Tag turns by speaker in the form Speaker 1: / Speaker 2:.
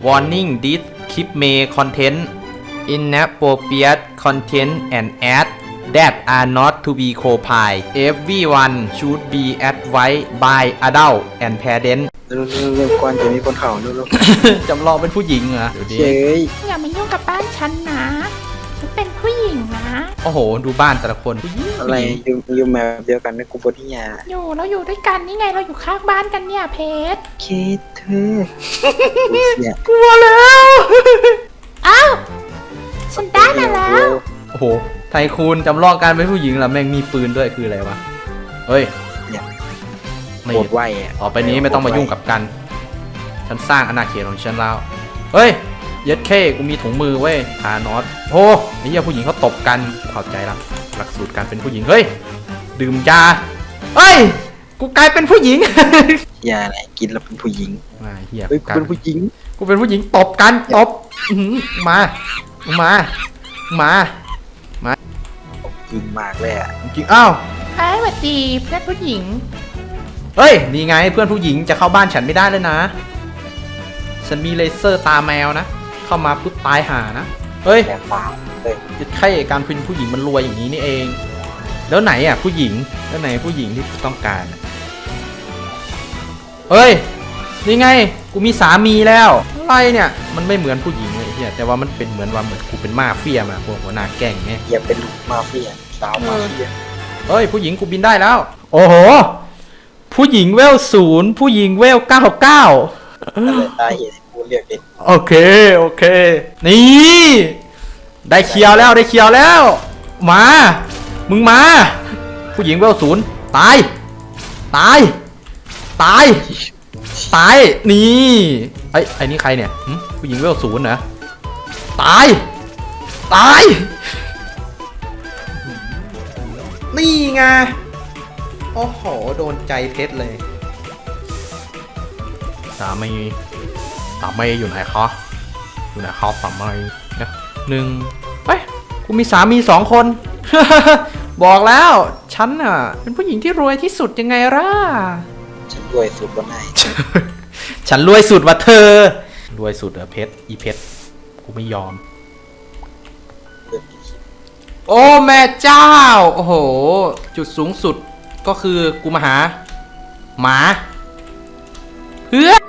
Speaker 1: Warning this clip may contain inappropriate content and ads that are not to be copied. Everyone should be advised by adult and parents
Speaker 2: เร็วๆก่อนจะมีคนเข่าเร็ว
Speaker 1: จำลองเป็นผู้หญิงเหรอเดี๋ยว
Speaker 2: ๆ
Speaker 1: ดิ
Speaker 2: เย้ย
Speaker 3: อย่ามายุ่งกับบ้านฉันนะ ฉันเป็นผู้หญิงนะ
Speaker 1: โอ้โห ดูบ้านแต่ละคนผู้หญิง
Speaker 2: อะไรอยู่แบบเดียวกันนะกูปวดที่ยา
Speaker 3: เราอยู่ด้วยกันนี่ไงเราอยู่ข้างบ้านกันเนี่ยเพชร
Speaker 2: คิดเธอเนี่ย
Speaker 1: กลัวแล้ว
Speaker 3: อ้าวฉันได้มาแล้ว
Speaker 1: โอ้โห ไทคูนจำลองการเป็นผู้หญิงเหรอแม่งมีปืนด้วยคืออะไรวะ เฮ้ย
Speaker 2: เนี่ย
Speaker 1: ไม่
Speaker 2: ปวดไหวอ่ะ
Speaker 1: ต่อไปนี้ไม่ต้องมายุ่งกับกัน ฉันสร้างอาณาเขตของฉันแล้ว เฮ้ย เย็ดเข้กูมีถุงมือเว้ยทานอสโอ้ไอ้เหี้ยผู้หญิงเขาตบกันเข้าใจละหลักสูตรการเป็นผู้หญิง เฮ้ย ดื่มยา เฮ้ย กูกลายเป็นผู้หญิง
Speaker 2: ยาอะไรกินแล้วเป็นผู้หญิง
Speaker 1: มาเหี้ย
Speaker 2: เฮ้ยกูเป็นผู้หญิง
Speaker 1: กูเป็นผู้หญิงตบกันตบอื้อหือมามา
Speaker 2: จริงมากเลยอ่ะ
Speaker 1: จริงอ้าว
Speaker 3: ไอ้หวัดดีเพื่อนผู้หญิง
Speaker 1: เฮ้ย นี่ไงเพื่อนผู้หญิงจะเข้าบ้านฉันไม่ได้เลยนะ ฉันมีเลเซอร์ตาแมวนะ เข้ามาปุ๊บตายห่านะ เฮ้ย
Speaker 2: แย่ปากเลย
Speaker 1: แค่การเป็นผู้หญิงมันรวยอย่างนี้นี่เอง แล้วไหนอ่ะผู้หญิง แล้วไหนผู้หญิงที่ต้องการอะเฮ้ย นี่ไง กูมีสามีแล้วอะไรเนี่ย มันไม่เหมือนผู้หญิงเลยเฮียแต่ว่ามันเป็นเหมือนว่าเหมือนกูเป็นมาเฟียมาพวกหัวหน้าแก๊งไง
Speaker 2: อย่าเป็นลูกมาเฟียสาวมาเฟีย
Speaker 1: เฮ้ยผู้หญิงกูบินได้แล้ว โอ้โห ผู้หญิงเวล0ผู้หญิงเวล99
Speaker 2: อะไรตายเหตุที่กูเรียกเด็ก
Speaker 1: โอเค นี่ ได้เคียวแล้ว มา มึงมา ผู้หญิงเวล0ตาย นี่ไอ้นี่ใครเนี่ยหึผู้หญิงเวล0นะตาย นี่ไง โอ้โห โดนใจเพชรเลยสามีอยู่ไหนคะสามีเนี่ยเฮ้ย กูมีสามี2 คน บอกแล้ว ฉันน่ะ เป็นผู้หญิงที่รวยที่สุดยังไงล่ะ
Speaker 2: ฉันด้วยสุดวันไหน
Speaker 1: ฉันรวยสุดว่ะเธอ รวยสุดเหรอเพชร อีเพชร กูไม่ยอม โอ้แม่เจ้า โอ้โห จุดสูงสุดก็คือกูมาหา หมา เพื่อน